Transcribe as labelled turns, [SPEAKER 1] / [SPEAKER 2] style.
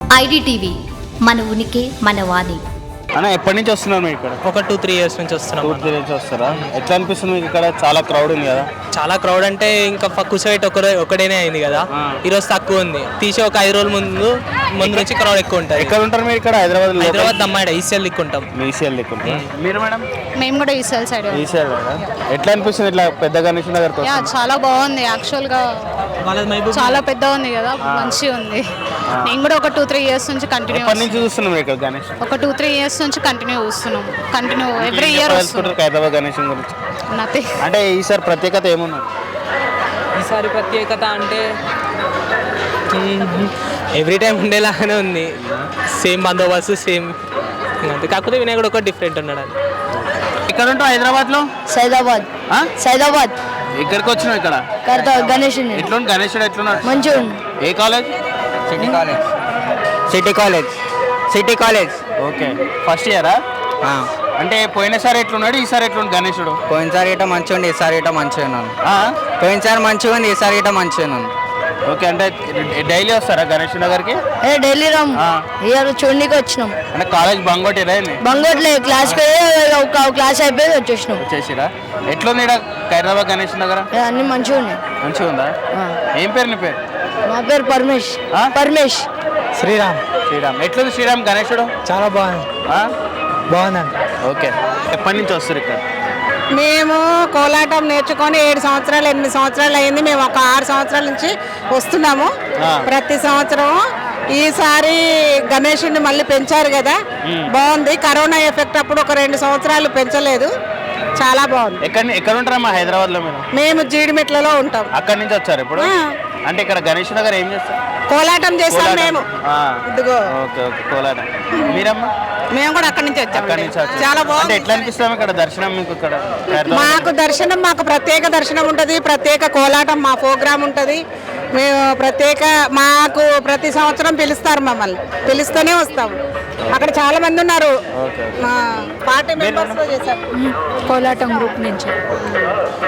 [SPEAKER 1] IDTV మన ఉనికి మన వాణి.
[SPEAKER 2] అన్న ఎప్పటి నుంచి వస్తున్నారు మీరు ఇక్కడ?
[SPEAKER 3] ఒక 2-3 years నుంచి వస్తున్నాం.
[SPEAKER 2] 2-3 నుంచి వస్తారా? ఎట్లా అనిపిస్తుంది మీకు ఇక్కడ? చాలా క్రౌడ్ ఉంది కదా?
[SPEAKER 3] చాలా క్రౌడ్ అంటే ఇంకా కూర్చోబెట్టి ఒకడేనే అయింది కదా, ఈరోజు తక్కువ ఉంది. తీసి ఒక 5 రోజుల ముందు నుంచి క్రౌడ్ ఎక్కువ ఉంటుంది.
[SPEAKER 2] ఎక్కడ ఉంటారు మీరు ఇక్కడ? హైదరాబాద్
[SPEAKER 3] దమ్మాడ ఈసీఎల్ దిక్కుంటాం.
[SPEAKER 2] ఈసీఎల్ దిక్కుంటాం. మీరు మేడం?
[SPEAKER 4] మేము కూడా ఈసీఎల్ సైడ్.
[SPEAKER 2] ఈసీఎల్ ఎట్లా అనిపిస్తుంది ఇట్లా పెద్ద గణేష్ నగర్?
[SPEAKER 4] చాలా బాగుంది యాక్చువల్గా, చాలా పెద్ద ఉంది కదా, మంచిగా ఉంది. నేను కూడా ఒక 2-3 years నుంచి కంటిన్యూ.
[SPEAKER 2] ఎప్పటి నుంచి చూస్తున్నాం ఇక్కడ గణేష్?
[SPEAKER 4] ఒక 2-3 years నుంచి కంటిన్యూ ఎవ్రీ ఇయర్ వస్తున్నాం.
[SPEAKER 2] హైదరాబాద్ గణేష్ గురించి
[SPEAKER 4] నథింగ్.
[SPEAKER 2] అంటే ఈసారి ప్రత్యేకత ఏమున్నది?
[SPEAKER 3] ఈసారి ప్రత్యేకత అంటే ఎవ్రీ టైం ఉండేలాగానే ఉంది. సేమ్ బందోబస్తు సేమ్, కాకపోతే వినాయకుడు ఒక డిఫరెంట్ ఉన్నాడు. అది
[SPEAKER 2] ఎక్కడ ఉంటావు హైదరాబాద్లో?
[SPEAKER 5] సైదాబాద్
[SPEAKER 2] ఇక్కడికి వచ్చినావు ఇక్కడ
[SPEAKER 5] గణేష్
[SPEAKER 2] ఎట్లుంది? గణేశుడు ఎట్లున్నాడు?
[SPEAKER 5] మంచిగా.
[SPEAKER 2] ఏ college?
[SPEAKER 6] City college.
[SPEAKER 2] Okay, first ఇయరా? అంటే పోయినసారి ఎట్లున్నాడు, ఈసారి ఎట్లుంది గణేశుడు?
[SPEAKER 6] పోయినసారి ఇట మంచిగా ఉంది, ఈసారి ఇట మంచిగా ఉన్నాను. పోయినసారి మంచిగా ఉంది, ఈసారి ఇట మంచిగా ఉన్నాను.
[SPEAKER 2] ఓకే, అంటే డైలీ వస్తారా గణేష్ నగర్కి?
[SPEAKER 5] డైలీ రామ్, ఇయర్ చూడడానికి వచ్చినాం.
[SPEAKER 2] అంటే కాలేజ్ బంగోటిరా?
[SPEAKER 5] బంగోట్లే, క్లాస్ ఒక క్లాస్ అయిపోయి
[SPEAKER 2] వచ్చేసిరా. ఎట్లుంది ఇక్కడ హైదరాబాద్ గణేష్ నగర్?
[SPEAKER 5] అన్ని మంచిగా ఉన్నాయి.
[SPEAKER 2] మంచిగా ఉందా? ఏం పేరు నీ పేరు?
[SPEAKER 5] మా పేరు పరమేష్.
[SPEAKER 2] శ్రీరామ్. ఎట్లుంది శ్రీరామ్ గణేశుడు?
[SPEAKER 3] చాలా బాగుందండి.
[SPEAKER 2] ఓకే, ఎప్పటి నుంచి వస్తారు ఇక్కడ?
[SPEAKER 7] మేము కోలాటం నేర్చుకొని 7 సంవత్సరాలు 8 సంవత్సరాలు అయింది. మేము ఒక 6 సంవత్సరాల నుంచి వస్తున్నాము ప్రతి సంవత్సరం. ఈసారి గణేషుని మళ్ళీ పెంచారు కదా, బాగుంది. కరోనా ఎఫెక్ట్ అప్పుడు ఒక 2 సంవత్సరాలు పెంచలేదు, చాలా బాగుంది.
[SPEAKER 2] ఎక్కడ ఉంటారమ్మా హైదరాబాద్ లో?
[SPEAKER 7] మేము జీడిమెట్లలో ఉంటాం.
[SPEAKER 2] అక్కడి నుంచి వచ్చారు ఇప్పుడు? అంటే ఇక్కడ గణేష్ నగర్ ఏం చేస్తారు?
[SPEAKER 7] కోలాటం చేస్తాం మేము. ఇదిగో.
[SPEAKER 2] ఓకే, కోలాటం. మీరమ్మా?
[SPEAKER 7] మేము కూడా అక్కడి నుంచి వచ్చాం.
[SPEAKER 2] చాలా బాగుంది. ఎట్లా అనిపిస్తాం ఇక్కడ దర్శనం మీకు? ఇక్కడ
[SPEAKER 7] మాకు ప్రత్యేక దర్శనం ఉంటుంది, ప్రత్యేక కోలాటం మా ప్రోగ్రామ్ ఉంటుంది. మేము మాకు ప్రతి సంవత్సరం పిలుస్తారు, మమ్మల్ని పిలుస్తూనే వస్తాము. అక్కడ చాలా మంది ఉన్నారు, మా పార్టీ మెంబర్స్ చేశారు
[SPEAKER 4] కోలాటం గ్రూప్ నుంచి.